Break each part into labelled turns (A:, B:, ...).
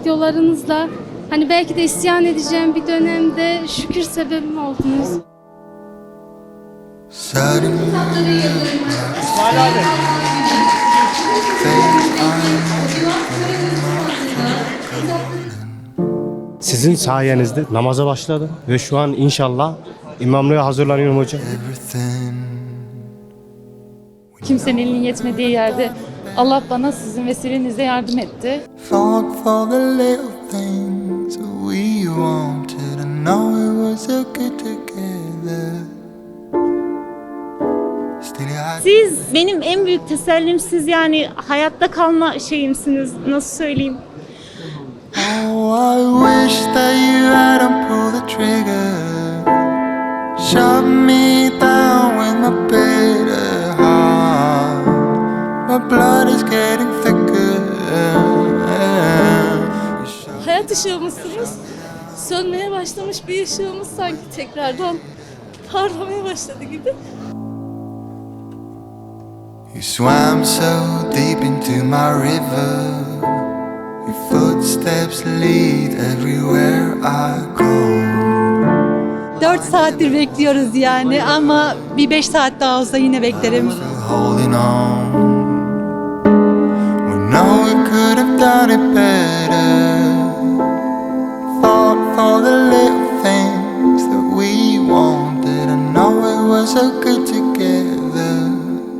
A: videolarınızla hani belki de isyan edeceğim bir dönemde şükür sebebim oldunuz.
B: İsmail abi.
C: Sizin sayenizde namaza başladım ve şu an inşallah imamlığa hazırlanıyorum hocam.
D: Kimsenin elinin yetmediği yerde Allah bana sizin vesilenizle yardım etti.
E: Siz benim en büyük tesellimsiz, yani hayatta kalma şeyimsiniz, nasıl söyleyeyim.
F: Oh, I wish that you hadn't pulled the trigger. Shut me down with my bitter heart. My blood is getting thicker.
A: Hayat ışığımızsınız. Sönmeye başlamış bir ışığımız sanki tekrardan parlamaya başladı gibi.
F: You swam so deep into my river. Your footsteps lead everywhere I go.
G: 4 saattir bekliyoruz yani ama bir 5 saat daha olsa yine beklerim.
F: Holding on. We know we could have done it better. Fought for the little things that we wanted. I know it was so good together.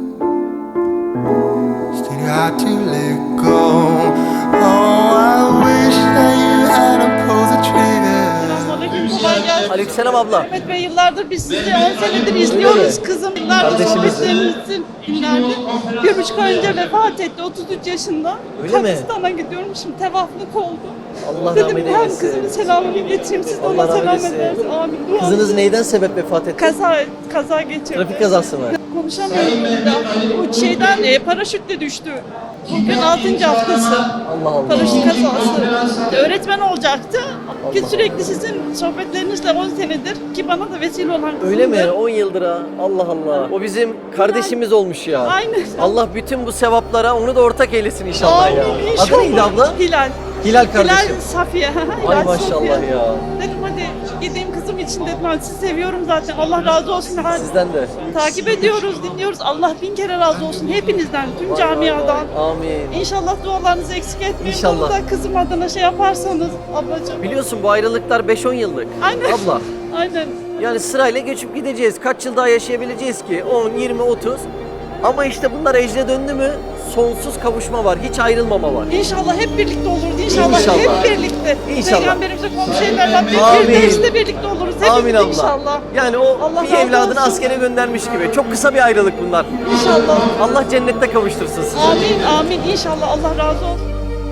F: Still you had to let go. Oh, I wish that you hadn't pulled the trigger.
B: Kolay gelsin. Aleykümselam abla.
H: Mehmet Bey, yıllardır biz sizi 10 senedir izliyoruz kızım. Yıllardır sohbetlerinizin dinlerdik. 1,5 ay önce vefat etti, 33 yaşında.
B: Öyle mi?
H: Kabristan'a gidiyorum, şimdi tevaflık oldu.
B: Allah
H: Dedim
B: rahmet
H: hem
B: eylesin.
H: kızımın selamını getireyim, siz de
B: Allah
H: ona
B: rahmet
H: selam
B: eylesin.
H: edersiniz. Amin. Dua
B: Kızınız
H: edin.
B: neyden sebep vefat etti?
H: Kaza geçirdi.
B: Trafik kazası mı?
H: Konuşamıyorum burada. Bu şeyden paraşütle düştü. Bugün 6. haftası.
B: Allah Allah.
H: Paraşüt kazası. Öğretmen olacaktı. Ki sürekli sizin sohbetlerinizle 10 senedir ki bana da vesile olan kızımdır.
B: Öyle mi? 10 yıldır ha. Allah Allah. O bizim kardeşimiz olmuş ya.
H: Aynen.
B: Allah bütün bu sevaplara onu da ortak eylesin inşallah ya.
H: Amin, inşallah.
B: Adı neydi abla?
H: Hilal.
B: Hilal kardeşim.
H: Hilal Safiye.
B: Ay
H: Hilal
B: maşallah
H: Safiye.
B: ya.
H: Dedim hadi gideyim kızım için dedim. Ben sizi seviyorum zaten. Allah razı olsun.
B: Sizden de.
H: Takip ediyoruz, dinliyoruz. Allah bin kere razı olsun hepinizden, tüm camiadan.
B: Amin.
H: İnşallah dualarınızı eksik etmeyin.
B: İnşallah.
H: Bunu da kızım adına şey yaparsanız ablacığım.
B: Biliyorsun bu ayrılıklar 5-10 yıllık.
H: Aynen.
B: Abla.
H: Aynen.
B: Yani sırayla geçip gideceğiz. Kaç yıl daha yaşayabileceğiz ki? 10, 20, 30. Ama işte bunlar ecre döndü mü sonsuz kavuşma var. Hiç ayrılmama var.
H: İnşallah hep birlikte oluruz. İnşallah,
B: İnşallah.
H: hep birlikte.
B: İnşallah.
H: Peygamberimize komşu evlerden bir
B: Amin.
H: firdevste birlikte oluruz. Hepimiz
B: Amin abla.
H: inşallah.
B: Yani o
H: Allah
B: bir
H: razı
B: evladını
H: olsun.
B: askere göndermiş gibi. Çok kısa bir ayrılık bunlar.
H: İnşallah.
B: Allah cennette kavuştursun sizi.
H: Amin, amin. İnşallah Allah razı olsun.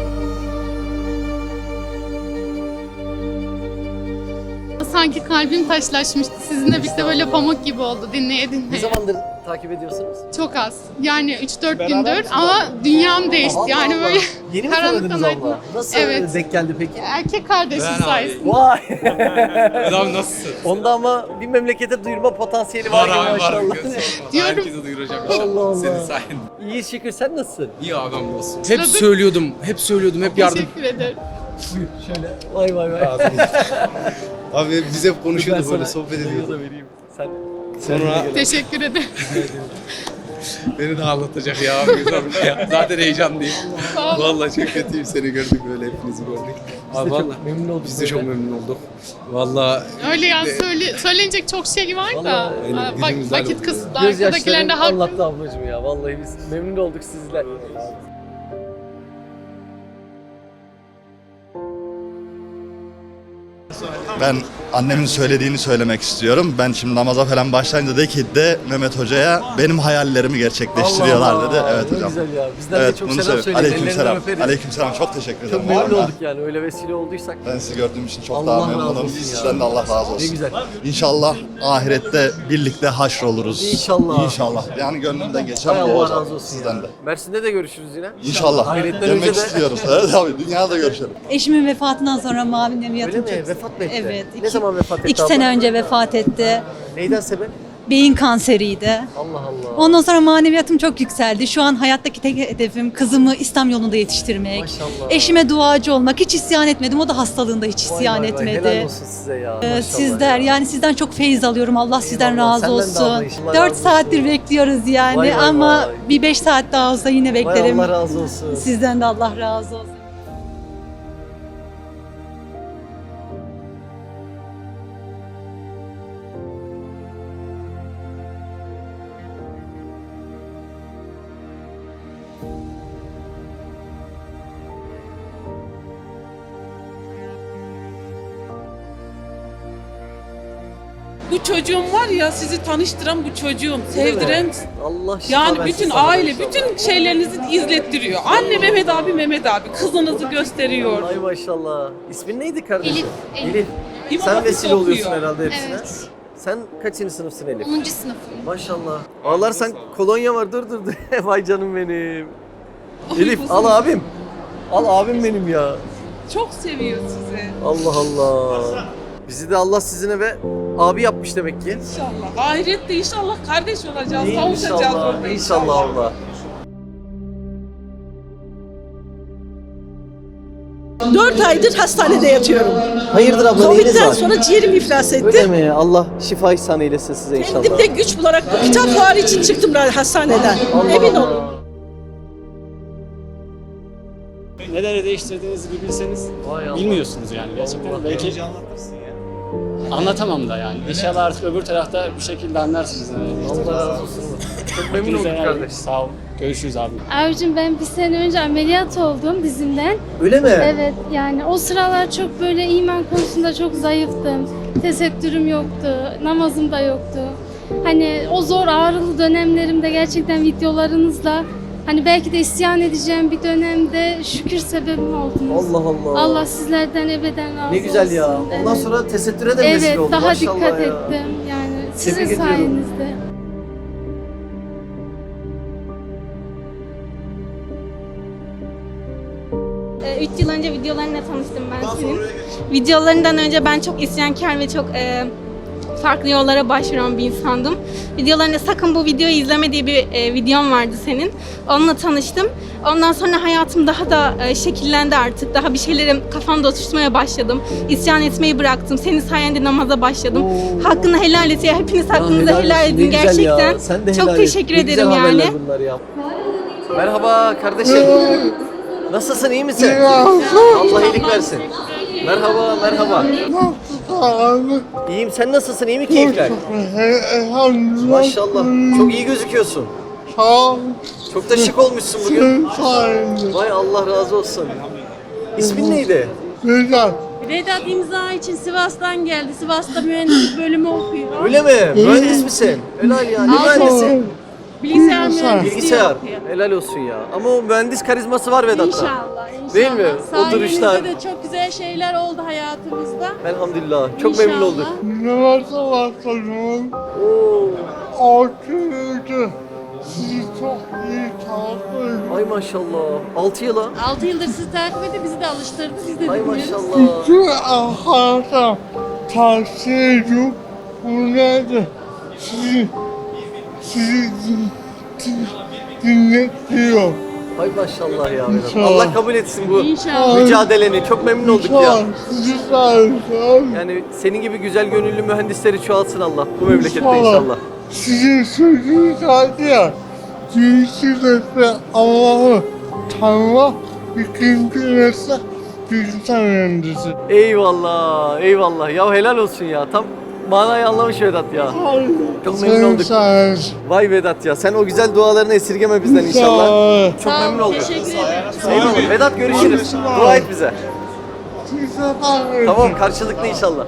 D: Sanki kalbim taşlaşmıştı. Sizinle birlikte böyle pamuk gibi oldu dinleye
B: Ne
D: dinleye.
B: zamandır takip ediyorsunuz?
D: Çok az. Yani 3-4 gündür ama dünyam değişti.
B: Allah
D: Yani
B: Allah.
D: böyle
B: Yeni mi
D: karanlıktan
B: tanıdınız
D: aydınlığa.
B: abla? Nasıl
D: Evet.
B: denk geldi peki?
D: Erkek kardeşim sayesinde.
B: Vay.
I: Adam nasılsın?
B: Onda ama bir memlekete duyurma potansiyeli var gibi maşallah.
D: Diyorum.
I: Herkese duyuracağım
B: Allah
I: inşallah.
B: Allah.
I: Senin sayende.
B: İyi şükür, sen nasılsın?
I: İyi adam olsun. Hep söylüyordum, hep yardım.
D: Teşekkür ederim.
B: Şöyle. Vay vay vay.
I: Abi biz hep
B: Ben
I: konuşuyorduk böyle
B: sana
I: sohbet
B: videoyu
I: ediyorduk.
B: da vereyim. Sen
I: Sonra
D: Teşekkür ederim.
I: beni de ağlatacak ya abi güzel ya. Zaten heyecanlıyım. Vallahi çok kötüyüm, seni gördük böyle, hepinizi gördük. Abi
B: çok
I: vallahi
B: memnun olduk
I: biz de çok
B: böyle.
I: memnun olduk. Vallahi
D: Öyle yani söylenecek çok şey var da.
B: Vallahi
I: yani
D: Bak,
I: dilimiz
D: vakit
I: ayrıldı.
D: kısıtlı.
B: Gözyaşlarım
D: Arkadakilerin de haklı.
B: anlattı ablacığım ya. Vallahi biz memnun olduk sizle.
J: Ben annemin söylediğini söylemek istiyorum. Ben şimdi namaza falan başlayınca dedi ki de Mehmet Hoca'ya benim hayallerimi gerçekleştiriyorlar
B: Allah
J: dedi.
B: Allah,
J: Evet
B: ne
J: hocam.
B: güzel ya. Bizden
J: Evet,
B: de çok
J: bunu
B: selam
J: söyle.
B: söyleyin.
J: Aleykümselam.
B: Ellerinden öperiz.
J: Aleykümselam. Çok teşekkür ederim.
B: Çok memnun
J: Vallahi.
B: olduk yani öyle vesile olduysak.
J: Ben sizi gördüğüm için çok
B: Allah
J: daha
B: razı
J: memnunum.
B: olsun ya.
J: Sizden de Allah razı olsun.
B: Ne güzel.
J: İnşallah ahirette birlikte haşroluruz.
B: İnşallah.
J: İnşallah. Yani gönlümden geçen
B: Hay
J: bu
B: Allah
J: olacak
B: razı olsun
J: sizden
B: ya.
J: de.
B: Mersin'de de görüşürüz yine.
J: İnşallah.
B: Ahiretten
J: Demek
B: önce de-
J: istiyoruz. Evet abi, dünyada görüşelim.
G: Eşimin vefatından sonra Mavi'nin
B: Öyle
G: yatım
B: mi? Vefat mı etti?
G: Evet.
B: Ne zaman vefat etti
G: 2
B: abla?
G: sene önce vefat etti.
B: Neyden sebep?
G: Beyin kanseriydi.
B: Allah Allah.
G: Ondan sonra maneviyatım çok yükseldi. Şu an hayattaki tek hedefim kızımı İslam yolunda yetiştirmek.
B: Maşallah.
G: Eşime duacı olmak. Hiç isyan etmedim. O da hastalığında hiç
B: Vay
G: isyan
B: vay vay,
G: etmedi.
B: helal olsun size ya. Maşallah
G: Sizler
B: ya.
G: yani sizden çok feyiz alıyorum. Allah sizden
B: Eyvallah,
G: razı
B: senden de
G: olsun.
B: abla, Allah
G: 4
B: razı
G: saattir
B: olsun.
G: bekliyoruz yani
B: Vay vay
G: ama
B: vay.
G: bir 5 saat daha olsa yine
B: Vay
G: beklerim.
B: Allah razı olsun.
G: Sizden de Allah razı olsun.
H: Bu çocuğum var ya, sizi tanıştıran bu çocuğum, sevdiren,
B: Allah şifa
H: yani
B: versin
H: bütün
B: sana da
H: aile,
B: inşallah.
H: bütün şeylerinizi izlettiriyor. Anne Mehmet abi, Mehmet abi kızınızı gösteriyor.
B: Ay maşallah. İsmin neydi kardeşim?
D: Elif.
B: Elif.
H: İmam
B: Sen
H: Hatip'te
B: vesile oluyorsun
H: okuyor.
B: herhalde hepsine.
D: Evet.
B: Sen kaçıncı sınıfsın Elif?
D: 10. sınıfım.
B: Maşallah. Ağlar sen kolonya var dur. Vay canım benim.
H: Ay,
B: Elif
H: kuzum.
B: al abim. Al abim benim ya.
H: Çok seviyor sizi.
B: Allah Allah. Bizi de Allah sizine ve abi yapmış demek ki.
H: İnşallah. Ahirette inşallah kardeş olacağız, kavuşacağız
B: İnşallah.
H: orada
B: İnşallah Allah.
H: 4 aydır hastanede yatıyorum.
B: Hayırdır abla neyiniz
H: Covid'den
B: var?
H: sonra ciğerim iflas etti.
B: Öyle mi? Allah şifa ihsan eylesin size inşallah.
H: Kendimde güç bularak bu kitap fuarı için çıktım hastaneden.
B: Allah
H: Emin
B: Allah.
H: olun.
K: Neler değiştirdiğinizi bir bilseniz
B: Vay Allah.
K: bilmiyorsunuz yani gerçekten.
B: Allah.
K: Belki anlatamam da yani. İnşallah artık öbür tarafta bir şekilde anlarsınız.
B: Allah razı olsun. Çok memnun olduk
K: Hepinize
B: kardeş.
K: sağ ol. Görüşürüz abi.
A: Abicim ben bir sene önce ameliyat oldum dizimden.
B: Öyle mi?
A: Evet yani o sıralar çok böyle iman konusunda çok zayıftım. Tesettürüm yoktu, namazım da yoktu. Hani o zor ağrılı dönemlerimde gerçekten videolarınızla hani belki de isyan edeceğim bir dönemde şükür sebebim oldunuz.
B: Allah Allah.
A: Allah sizlerden ebeden razı olsun.
B: Ne güzel ya. Ondan
A: Evet.
B: sonra tesettüre de vesile
A: Evet
B: oldu.
A: daha
B: Maşallah
A: dikkat
B: ya.
A: ettim yani sizin
B: Tebrik ediyorum.
A: sayenizde.
E: Üç yıl önce videolarınla tanıştım ben senin. Videolarından önce ben çok isyankar ve çok farklı yollara başvuran bir insandım. Videolarında sakın bu videoyu izleme diye bir videon vardı senin. Onunla tanıştım. Ondan sonra hayatım daha da şekillendi artık. Daha bir şeyleri kafamda oturtmaya başladım. İsyan etmeyi bıraktım. Senin sayende namaza başladım. Hakkını helal et ya. Hepiniz hakkınızı helal
B: olsun, ne
E: edin
B: güzel ya.
E: gerçekten.
B: Sen de
E: Çok
B: helal et.
E: teşekkür
B: Ne
E: ederim
B: güzel
E: yani.
B: haberler bunlar ya. Merhaba kardeşim. Nasılsın, iyi misin? Allah iyilik versin. Merhaba, merhaba. İyiyim, sen nasılsın, iyi mi keyifler? Maşallah, çok iyi gözüküyorsun. Çok da şık olmuşsun bugün. Vay Allah razı olsun. İsmin neydi?
H: Vedat imza için Sivas'tan geldi. Sivas'ta mühendislik bölümü okuyor.
B: Öyle mi? Mühendis misin? Helal ya, ne mühendisi?
H: Bilgisayar mühendisliği
B: Bilgisayar.
H: okuyor.
B: Helal olsun ya. Ama o mühendis karizması var Vedat'ta.
H: İnşallah, inşallah.
B: Değil mi? O duruşlar.
H: Sayenizde de çok güzel şeyler oldu hayatımızda.
B: Elhamdülillah. Çok memnun olduk.
F: Namaza başladım.
B: Oo.
F: 6 yıldır sizi çok iyi takip ediyorum.
B: Ay maşallah. 6 yıla.
H: 6 yıldır sizi takip edip bizi de alıştırdı. Biz de
B: Ay
H: dinliyoruz.
B: maşallah.
F: Bütün arkadaşlar tavsiye ediyorum. Bu nedir? Sizi dinletiyor.
B: Ay maşallah ya Vedat.
F: İnşallah.
B: Allah kabul etsin bu
H: İnşallah.
B: mücadeleni. Çok memnun olduk ya.
F: İnşallah sizi sayesinde.
B: Yani senin gibi güzel gönüllü mühendisleri çoğalsın Allah bu memlekette
F: İnşallah.
B: inşallah.
F: Sizin sözünüz vardı ya. Birinci nesle Allah'ı tanımak, ikinci nesle bilgisayar mühendisi.
B: Eyvallah, eyvallah. Ya helal olsun ya. Tam manayı anlamış Vedat ya. Çok memnun
F: Senin
B: olduk.
F: sayesinde.
B: Vay Vedat ya. Sen o güzel dualarını esirgeme bizden inşallah. Çok memnun olduk.
H: Teşekkür ederim.
B: Eyvallah. Vedat görüşürüz. Dua et bize.
F: Size bakın.
B: Tamam karşılıklı inşallah.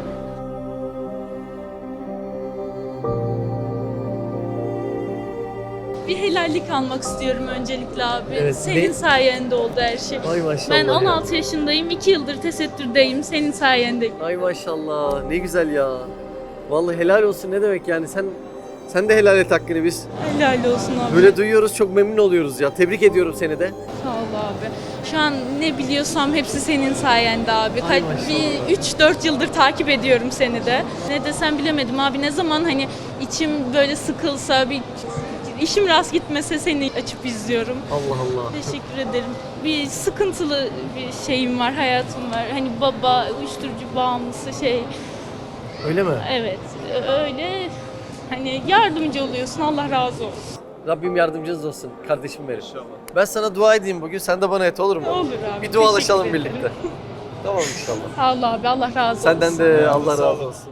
L: Bir helallik almak istiyorum öncelikle abi.
B: Evet,
L: Senin
B: ne-
L: sayende oldu her şey.
B: Ay maşallah.
L: Ben
B: ya.
L: 16 yaşındayım, 2 yıldır tesettürdeyim. Senin sayende.
B: Ay maşallah. Ne güzel ya. Vallahi helal olsun ne demek yani sen Sen de helal et hakkını biz.
L: Helal olsun abi.
B: Böyle duyuyoruz, çok memnun oluyoruz ya. Tebrik ediyorum seni de.
L: Sağ ol abi. Şu an ne biliyorsam hepsi senin sayende abi.
B: Ay maşallah.
L: Bir 3-4 yıldır takip ediyorum seni de. Ne desem bilemedim abi. Ne zaman hani içim böyle sıkılsa, bir işim rast gitmese seni açıp izliyorum.
B: Allah Allah.
L: Teşekkür ederim. Bir sıkıntılı bir şeyim var, hayatım var. Hani baba, uyuşturucu bağımlısı şey.
B: Öyle mi?
L: Evet, öyle. Hani yardımcı oluyorsun. Allah razı olsun.
B: Rabbim yardımcınız olsun kardeşim benim. Ben sana dua edeyim bugün, sen de bana et olur mu?
L: Olur abi.
B: Bir dualaşalım
L: teşekkür ederim.
B: birlikte. Tamam inşallah.
L: Sağ ol abi. Allah razı olsun.
B: Senden de Allah razı olsun.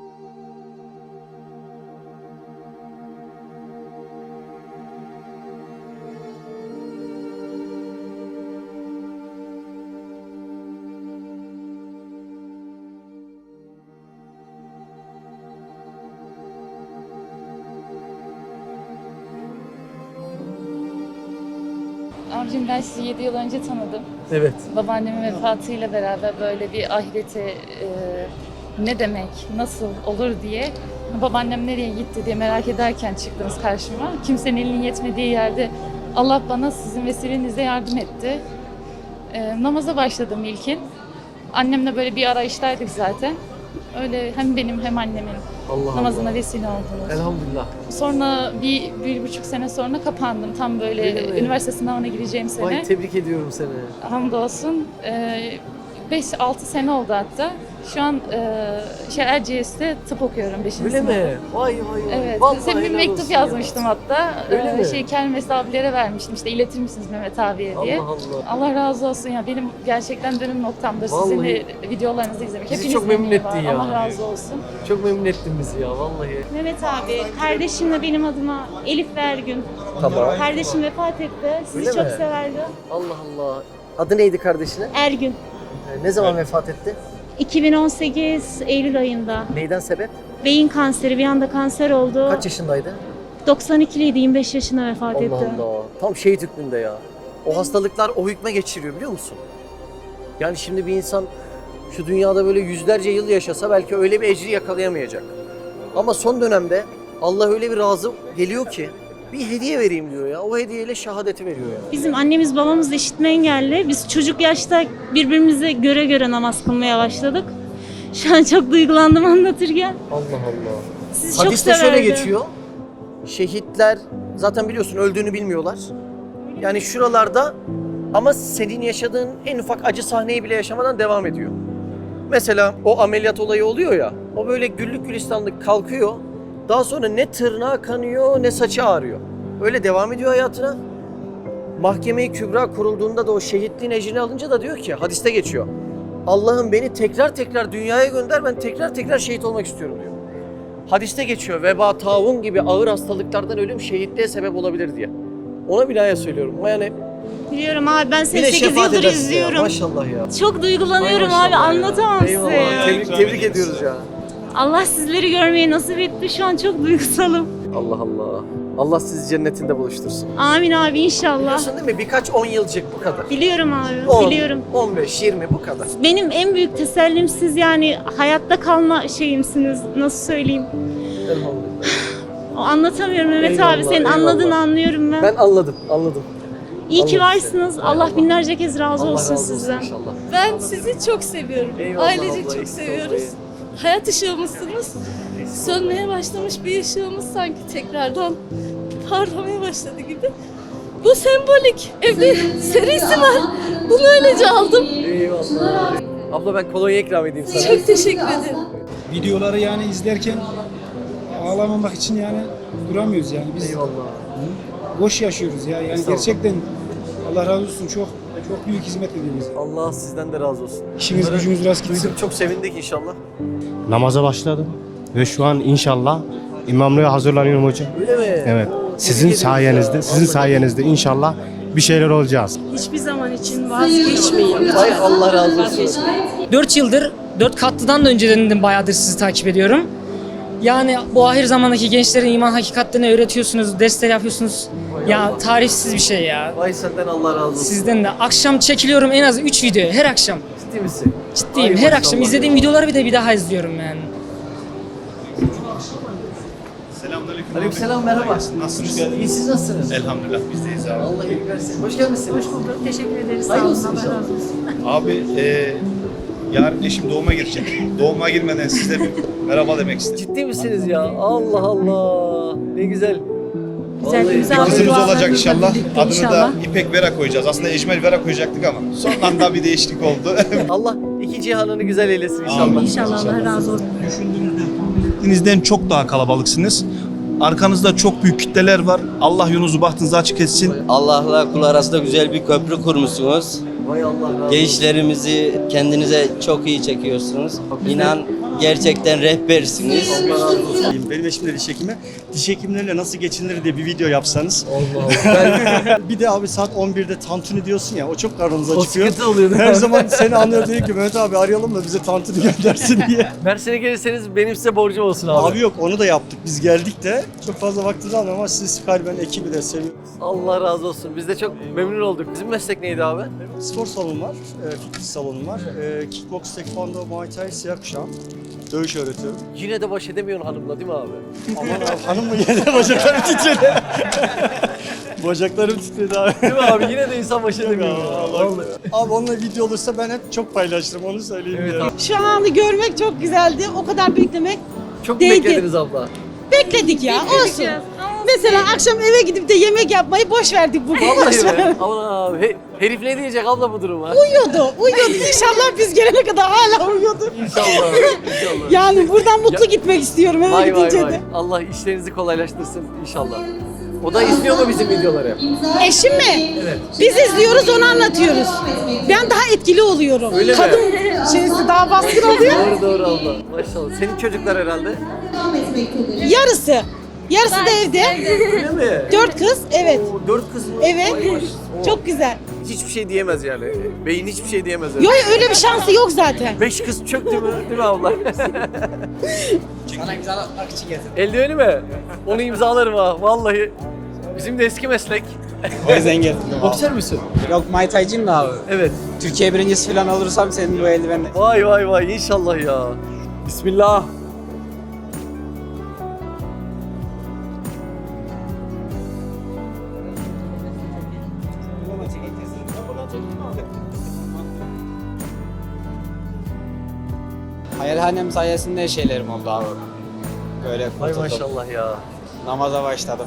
D: Abicim ben sizi 7 yıl önce tanıdım.
B: Evet.
D: Babaannemin vefatıyla beraber böyle bir ahirete ne demek, nasıl olur diye babaannem nereye gitti diye merak ederken çıktınız karşıma. Kimsenin elinin yetmediği yerde Allah bana sizin vesilenizle yardım etti. Namaza başladım ilkin. Annemle böyle bir arayıştaydık zaten. Öyle hem benim hem annemin
B: Allah
D: namazına
B: Allah.
D: vesile oldunuz.
B: Elhamdülillah.
D: Sonra bir buçuk sene sonra kapandım. Tam böyle
B: Öyle mi?
D: üniversite sınavına gireceğim sene.
B: Vay tebrik ediyorum seni.
D: Hamdolsun. 5-6 sene oldu hatta. Şu an Erciyes'te tıp okuyorum 5.
B: Öyle
D: sınıf.
B: mi? Vay vay vay.
D: Evet.
B: Vallahi
D: Size bir
B: helal
D: mektup
B: olsun
D: yazmıştım hatta.
B: Öyle mi?
D: Kelmesi abilere vermiştim. İşte iletir misiniz Mehmet abiye diye.
B: Allah Allah.
D: Allah razı olsun ya. Benim gerçekten dönüm noktamdır. Sizin
B: Vallahi.
D: de videolarınızı izlemek.
B: Bizi
D: Hepiniz
B: çok memnun
D: memnun
B: ettin
D: var.
B: ya.
D: Allah razı olsun.
B: Çok memnun ettin bizi ya vallahi.
M: Mehmet abi, kardeşimle benim adıma Elif ve Ergün.
B: Tamam.
M: Kardeşim vefat etti. Sizi
B: Öyle
M: çok
B: mi?
M: severdi.
B: Allah Allah. Adı neydi kardeşine?
M: Ergün.
B: Ne zaman vefat etti?
M: 2018 Eylül ayında.
B: Neyden sebep?
M: Beyin kanseri, bir anda kanser oldu.
B: Kaç yaşındaydı?
M: 92'liydi, 25 yaşında vefat
B: Allah
M: etti.
B: Allah. Tam şehit hükmünde ya. O hastalıklar o hükme geçiriyor biliyor musun? Yani şimdi bir insan şu dünyada böyle yüzlerce yıl yaşasa belki öyle bir ecri yakalayamayacak. Ama son dönemde Allah öyle bir razı geliyor ki bir hediye vereyim diyor ya. O hediyeyle şehadeti veriyor ya.
M: Bizim annemiz babamız da işitme engelli. Biz çocuk yaşta birbirimize göre göre namaz kılmaya başladık. Şu an çok duygulandım anlatırken.
B: Allah Allah.
M: Sizi çok
B: Hadiste şöyle
M: severdim.
B: geçiyor. Şehitler zaten biliyorsun öldüğünü bilmiyorlar. Yani şuralarda ama senin yaşadığın en ufak acı sahneyi bile yaşamadan devam ediyor. Mesela o ameliyat olayı oluyor ya. O böyle güllük gülistanlık kalkıyor. Daha sonra ne tırnağı kanıyor ne saçı ağrıyor. Öyle devam ediyor hayatına. Mahkeme-i Kübra kurulduğunda da o şehitliğin ecrini alınca da diyor ki hadiste geçiyor. Allah'ım beni tekrar tekrar dünyaya gönder, ben tekrar tekrar şehit olmak istiyorum diyor. Hadiste geçiyor veba, taun gibi ağır hastalıklardan ölüm şehitliğe sebep olabilir diye. Ona binaen söylüyorum. Yani
M: Biliyorum abi, ben
B: bir
M: seni
B: de
M: 8
B: şefaat
M: yıldır
B: edersin ya.
M: izliyorum.
B: Maşallah ya.
M: Çok duygulanıyorum
B: Maşallah
M: abi,
B: ya.
M: anlatamam size
B: Eyvallah.
M: ya.
B: Tebrik ediyoruz ya.
M: Allah sizleri görmeyi nasip etti. Şu an çok duygusalım.
B: Allah Allah. Allah sizi cennetinde buluştursun.
M: Amin abi, inşallah.
B: Biliyorsun değil mi? Birkaç 10 yılcık bu kadar.
M: Biliyorum abi,
B: 10,
M: biliyorum.
B: 15, 20 bu kadar.
M: Benim en büyük tesellim siz, yani hayatta kalma şeyimsiniz. Nasıl söyleyeyim?
B: Elhamdülillah.
M: O anlatamıyorum Mehmet
B: Eyvallah,
M: abi. Senin
B: eyvallah.
M: anladığını anlıyorum ben.
B: Ben anladım.
M: İyi ki
B: Allah
M: varsınız.
B: size.
M: Allah
B: Eyvallah.
M: binlerce kez razı
B: Allah
M: olsun
B: razı olsun
M: sizden.
B: inşallah.
A: Ben sizi çok seviyorum.
B: Eyvallah
A: Ailecek
B: abla,
A: çok
B: eksik
A: seviyoruz.
B: olmayın.
A: Hayat ışığımızsınız. Sönmeye başlamış bir ışığımız sanki tekrardan parlamaya başladı gibi. Bu sembolik evde serisi var. Bunu öylece aldım.
B: Eyvallah. Abla ben kolonya ikram edeyim sana.
A: Çok teşekkür ederim.
N: Videoları yani izlerken ağlamamak için yani duramıyoruz yani. Biz
B: Eyvallah.
N: boş yaşıyoruz ya. Yani
B: Estağfurullah.
N: gerçekten Allah razı olsun, çok büyük hizmet ediyoruz.
B: Allah sizden de razı olsun.
N: İşiniz
B: Bunları
N: gücünüz rast gitsin.
B: duyduk, çok sevindik inşallah.
C: Namaza başladım ve şu an inşallah imamlığa hazırlanıyorum hocam.
B: Öyle mi?
C: Evet.
B: Oo,
C: Sizin
B: tebrik ediyoruz
C: sayenizde,
B: ya.
C: sizin
B: Vallahi.
C: sayenizde inşallah bir şeyler olacağız.
H: Hiçbir zaman için vazgeçmeyin.
B: Ay Allah razı olsun.
O: 4 yıldır, 4 katlıdan da önceden de bayağıdır sizi takip ediyorum. Yani bu ahir zamandaki gençlerin iman hakikatlerini öğretiyorsunuz, dersler yapıyorsunuz. Ya tarifsiz bir şey ya.
B: Vay senden Allah razı olsun.
O: Sizden de. Akşam çekiliyorum en az 3 video her akşam.
B: Ciddi misin?
O: Ciddiyim.
B: Ay
O: Her
B: maşallah
O: akşam
B: ya.
O: izlediğim videoları bir daha izliyorum yani.
I: Selamünaleyküm.
B: Aleykümselam, merhaba.
I: Nasılsınız?
B: İyi, siz nasılsınız?
I: Elhamdülillah bizdeyiz abi.
B: Allah iyilik versin. Hoş gelmişsiniz. Hoş bulduk.
M: Teşekkür ederiz.
B: Hayırlı olsun inşallah.
I: Abi yarın eşim doğuma girecek. Doğuma girmeden size bir merhaba demek istedim.
B: Ciddi misiniz ya? Allah Allah. Ne güzel.
M: Güzel,
B: Vallahi
M: güzel.
I: Bir kızımız
M: dualarınızla
I: olacak inşallah.
M: birlikte
I: Adını
M: inşallah.
I: da İpek Vera koyacağız. Aslında Ecmel Vera koyacaktık ama son anda bir değişiklik oldu.
B: Allah iki cihanını güzel eylesin inşallah.
I: Amin.
M: İnşallah Allah razı olsun.
I: Düşündüğünüzden çok daha kalabalıksınız. Arkanızda çok büyük kitleler var. Allah yolunuzu bahtınızı açık etsin.
P: Allah'la kul arasında güzel bir köprü kurmuşsunuz.
B: Vay Allah razı olsun.
P: Gençlerimizi kendinize çok iyi çekiyorsunuz. İnan gerçekten rehbersiniz.
B: Allah razı olsun.
C: Benim eşim de diş hekimi. Diş hekimleriyle nasıl geçinilir diye bir video yapsanız.
B: Allah Allah.
C: Bir de abi saat 11'de tantuni diyorsun ya, o çok karnımıza
B: O
C: çıkıyor.
B: sıkıntı oluyor değil mi?
C: Her zaman seni anlıyor, diyor ki Mehmet abi arayalım da bize tantuni göndersin diye.
B: Mersin'e gelirseniz benim size borcum olsun abi.
C: Abi yok, onu da yaptık. Biz geldik de çok fazla vaktinizi almıyor ama siz kalben ekibi de seviyoruz.
B: Allah razı olsun. Biz de çok memnun olduk. Bizim meslek neydi abi?
C: Spor salonu var, fitness salonu var. Kickbox, taekwondo, muay thai, siyah kuşağım. Dövüş öğretiyorum.
B: Yine de baş edemiyorsun hanımla değil mi abi?
C: Aman abi, hanım mı yedi? Bacaklarım titredi. Bacaklarım titredi abi.
B: Değil mi abi? Yine de insan baş edemiyor. Vallahi.
C: Abi onunla video olursa ben hep çok paylaşırım, onu söyleyeyim
B: Evet
C: ya.
B: abi.
H: Şu anı görmek çok güzeldi. O kadar beklemek
B: Çok mu
H: Değdi.
B: beklediniz abla?
H: bekledik ya. Olsun. Mesela akşam eve gidip de yemek yapmayı boş verdik bugün.
B: Vallahi be. Aman abi. Herif ne diyecek abla bu duruma?
H: Uyuyordu. İnşallah biz gelene kadar hala uyuyordu.
B: İnşallah. İnşallah.
H: Yani buradan mutlu gitmek istiyorum eve
B: Vay vay
H: gidince
B: vay.
H: de.
B: Allah işlerinizi kolaylaştırsın inşallah. O da izliyor mu bizim videoları?
H: Eşim mi?
B: Evet.
H: Biz izliyoruz, onu anlatıyoruz. Ben daha etkili oluyorum.
B: Öyle mi?
H: Kadın şeysi daha baskın oluyor.
B: Doğru doğru abla. Maşallah. Senin çocuklar herhalde.
H: Yarısı. Yarısı da evde.
B: Öyle mi?
H: 4 kız, evet.
B: Oo, 4 kız mı?
H: Evet.
B: Vay maşallah.
H: Çok güzel.
B: Hiçbir şey diyemez yani. Beyin hiçbir şey diyemez.
H: Yok öyle bir şansı yok zaten.
B: 5 kız çöktü mü? Değil mi abla?
K: Sana imzalatmak için getirdim.
B: Eldiveni mi? Onu imzalarım ha. Vallahi. Bizim de eski meslek.
K: O yüzden getirdim abi.
B: Boksör müsün?
K: Yok Muay Thai'ciyim de abi.
B: Evet.
K: Türkiye birincisi falan olursam senin bu eldivenle.
B: Vay vay vay inşallah ya. Bismillah.
K: Hayalhanem sayesinde şeylerim oldu abi. Böyle
B: Vay
K: kurtuldum.
B: maşallah ya.
K: Namaza başladım.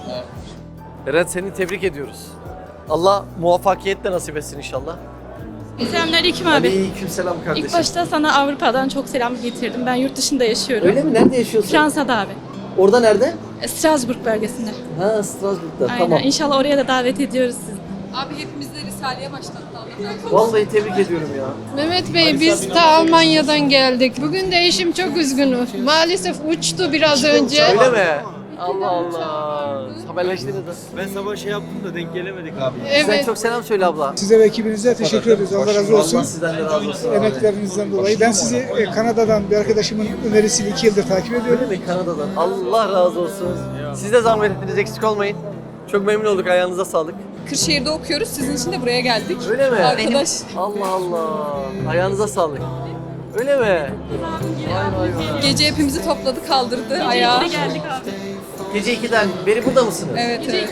B: Eren seni tebrik ediyoruz. Allah muvaffakiyetle nasip etsin inşallah.
L: Selamünaleyküm abi.
B: Aleykümselam kardeşim.
L: İlk başta sana Avrupa'dan çok selam getirdim. Ben yurt dışında yaşıyorum.
B: Öyle mi? Nerede yaşıyorsun?
L: Fransa'da abi.
B: Orada nerede?
L: Strasbourg bölgesinde.
B: Ha Strasbourg'da.
L: Aynen.
B: Tamam.
L: İnşallah oraya da davet ediyoruz sizi.
E: Abi hepimiz de Risale'ye başlattı.
B: Vallahi tebrik ediyorum ya.
A: Mehmet Bey biz ta Almanya'dan geldik. Bugün de eşim çok üzgün. Maalesef uçtu biraz önce.
B: Öyle mi? Allah Allah. Haberleştiniz mi?
C: Ben sabah şey yaptım da denk gelemedik abi.
B: Sen
A: Evet.
B: çok selam söyle abla.
N: Size ve ekibinize teşekkür ediyoruz. Allah razı olsun.
B: Allah sizden de razı olsun. abi.
N: Emeklerinizden dolayı. Ben sizi Kanada'dan bir arkadaşımın önerisiyle 2 yıldır takip ediyorum.
B: Öyle mi? Kanada'dan. Allah razı olsun. Siz de zahmet ettiniz, eksik olmayın. Çok memnun olduk, ayağınıza sağlık.
E: Kırşehir'de okuyoruz. Sizin için de buraya geldik.
B: Öyle mi?
E: Arkadaş.
B: Allah Allah. Ayağınıza sağlık. Öyle mi? Vay vay vay.
E: Gece hepimizi topladı, kaldırdı ayağa.
L: Geldik abi.
B: Gece 2'den beri burada mısınız?
E: Evet, evet.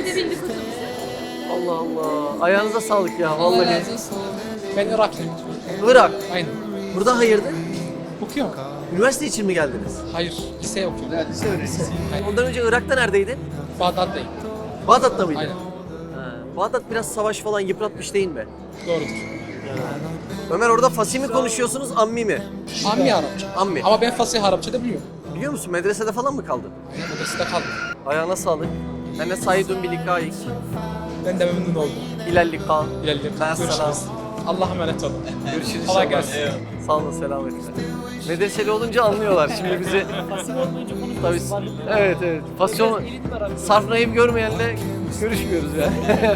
B: Allah Allah. Ayağınıza sağlık ya
E: Allah
B: vallahi.
E: razı olsun.
K: Ben Iraklıyım.
B: Irak.
K: Aynen.
B: Burada hayırdır?
K: Okuyorum.
B: Üniversite için mi geldiniz?
K: Hayır, lise okuyorum.
B: Lise öğrencisi. Ondan önce Irak'ta neredeydin?
K: Bağdat'tayım.
B: Bağdat'ta mıydın?
K: Aynen.
B: Ha, Bağdat biraz savaş falan yıpratmış değil mi?
K: Doğrudur.
B: Ömer orada Fasih mi konuşuyorsunuz, Ammi mi?
K: Ammi Arapça.
B: Ammi.
K: Ama ben Fasih Arapça da biliyorum.
B: Biliyor musun medresede falan mı kaldın?
K: Odasında kaldım.
B: Ayağına sağlık. Ene saidun bilikayik.
K: Ben de memnun oldum.
B: İlellika.
K: İlerleyelim.
B: Ben selam.
K: Görüşürüz. Allah'a emanet olun.
B: Görüşürüz
K: Kolay
B: inşallah.
K: gelsin.
B: Sağ olun, selametle. Medreseli olunca anlıyorlar şimdi bizi. Tabii. Evet evet. Fasyon sarf naim görmeyenle görüşmüyoruz yani.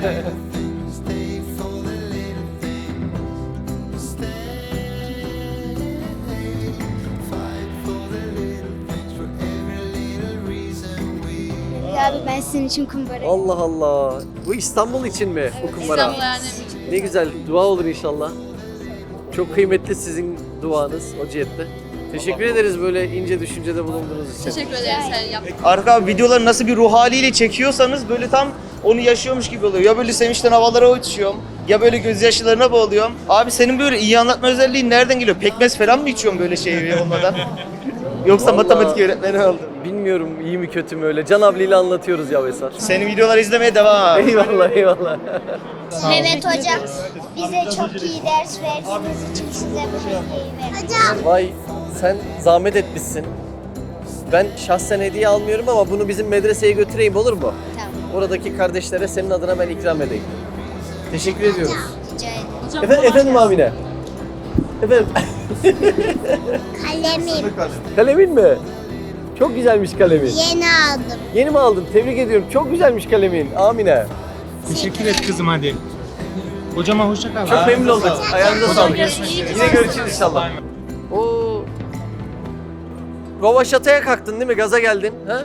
A: Abi ben sizin için kumbara.
B: Allah Allah. Bu İstanbul için mi bu kumbara? Ne güzel. Dua olur inşallah. Çok kıymetli sizin duanız o cihette. Teşekkür ederiz böyle ince düşüncede bulunduğunuz için.
E: Teşekkür ederiz.
Q: Arka videoları nasıl bir ruh haliyle çekiyorsanız böyle tam onu yaşıyormuş gibi oluyor. Ya böyle sevinçten havalara uçuyorum ya böyle gözyaşlarına boğuluyorum. Abi senin böyle iyi anlatma özelliğin nereden geliyor? Pekmez falan mı içiyorsun böyle şeyi olmadan? Yoksa
B: Vallahi
Q: matematik öğretmeni oldun.
B: Bilmiyorum iyi mi kötü mü öyle. Can abiyle anlatıyoruz ya Vesar.
Q: Senin videoları izlemeye devam.
B: Eyvallah eyvallah.
R: Mehmet Hocam bize çok iyi ders verdiğiniz için size bu hediyeyi verdim. Hocam.
B: Vay sen zahmet etmişsin. Ben şahsen hediye almıyorum ama bunu bizim medreseye götüreyim olur mu?
R: Tamam.
B: Oradaki kardeşlere senin adına ben ikram edeyim. Teşekkür ediyoruz.
R: Rica ederim.
B: Efendim Amine. Efendim.
R: Kalemim.
B: Kalemin mi? Çok güzelmiş kalemin.
R: Yeni aldım.
B: Yeni mi aldın? Tebrik ediyorum. Çok güzelmiş kalemin. Amine.
K: Teşekkür et kızım hadi. Hocama hoşça kal.
B: Çok memnun olduk. Ayağınıza sağlık.
K: görüşmek üzere.
B: Yine görüşürüz inşallah. Oo. Rovaşata'ya kalktın değil mi? Gaza geldin. Ha?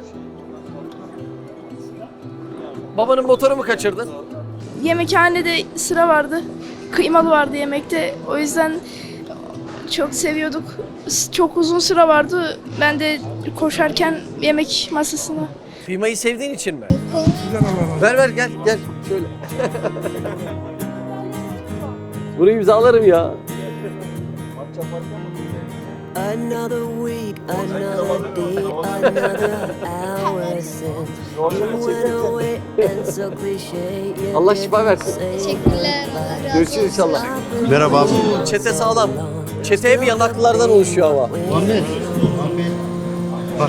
B: Babanın motoru mu kaçırdın?
S: Yemekhanede sıra vardı. Kıymalı vardı yemekte. O yüzden çok seviyorduk. Çok uzun sıra vardı. Ben de koşarken yemek masasına.
B: Kıymayı sevdiğin için mi? Ver gel şöyle. Burayı imzalarım ya.
T: Another week, another day, another hour since you went away and so cliche.
B: Allah şifa versin.
R: Teşekkürler.
B: Görüşürüz inşallah.
J: Merhaba abi.
B: Çete sağlam. Çete hep yanaklılardan oluşuyor ama.
J: Muhammed. Bak.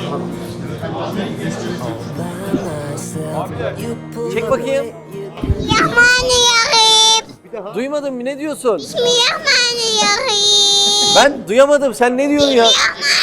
B: Çek bakayım.
R: Bismillahirrahmanirrahim.
B: Duymadın mı? Ne diyorsun?
R: Bismillahirrahmanirrahim.
B: Ben duyamadım. Sen ne diyorsun ya?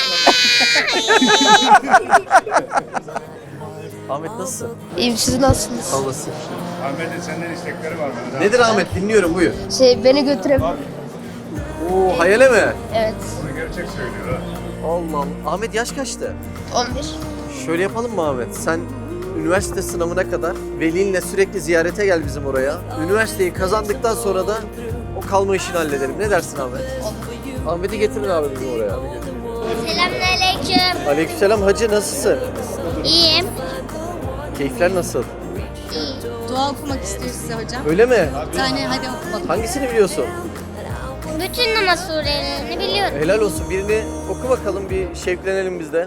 B: Ahmet nasılsın?
S: İyiyim, siz nasılsınız?
B: Sağ olasın.
C: Ahmet'in senden istekleri var mı?
B: Nedir Ahmet? Dinliyorum buyur.
S: Beni götürebilir.
B: Oo hayale mi?
S: Evet.
C: Bunu gerçek söylüyor ha.
B: Allah Allah. Ahmet yaş kaçtı?
S: 11.
B: Şöyle yapalım mı Ahmet? Sen üniversite sınavına kadar velinle sürekli ziyarete gel bizim oraya. Üniversiteyi kazandıktan sonra da o kalma işini halledelim. Ne dersin Ahmet? Ahmet'i getirin abi bizim oraya.
R: Selamünaleyküm.
B: Aleykümselam hacı nasılsın?
R: İyiyim.
B: Keyifler nasıl?
S: Dua okumak istiyor size hocam.
B: Öyle mi?
S: Bir tane hadi okumak.
B: Hangisini biliyorsun?
R: Bütün namaz surelerini biliyorum.
B: Helal olsun. Birini oku bakalım bir şevklenelim biz de.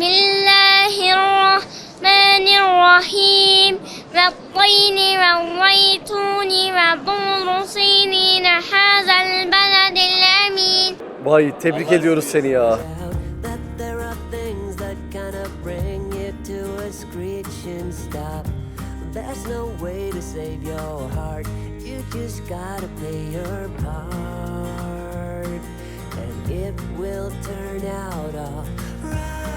R: Bismillahirrahmanirrahim. Ve tayni ve zeytuni ve dur sinine hazel beledil emin.
B: Vay tebrik ediyoruz seni ya.
T: That there are things that kinda bring you to a screeching stop. There's no way to save your heart. You just gotta play your part, and it will turn out all right.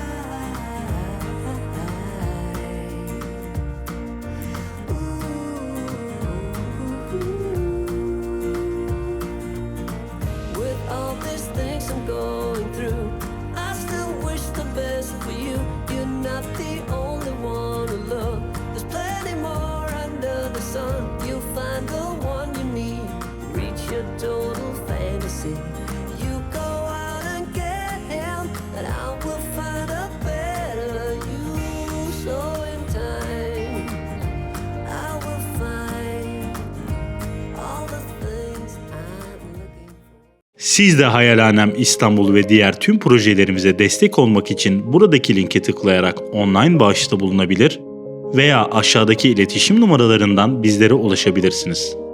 T: With all these things I'm going through, I still wish the best for you. You're not the only one to love. There's plenty more under the sun. You'll find the one you need. Reach your total fantasy. You go out and get him, and I will find a better you. So in time, I will find all the things I'm looking for.
U: Siz de Hayalhanem İstanbul ve diğer tüm projelerimize destek olmak için buradaki linke tıklayarak online bağışta bulunabilir veya aşağıdaki iletişim numaralarından bizlere ulaşabilirsiniz.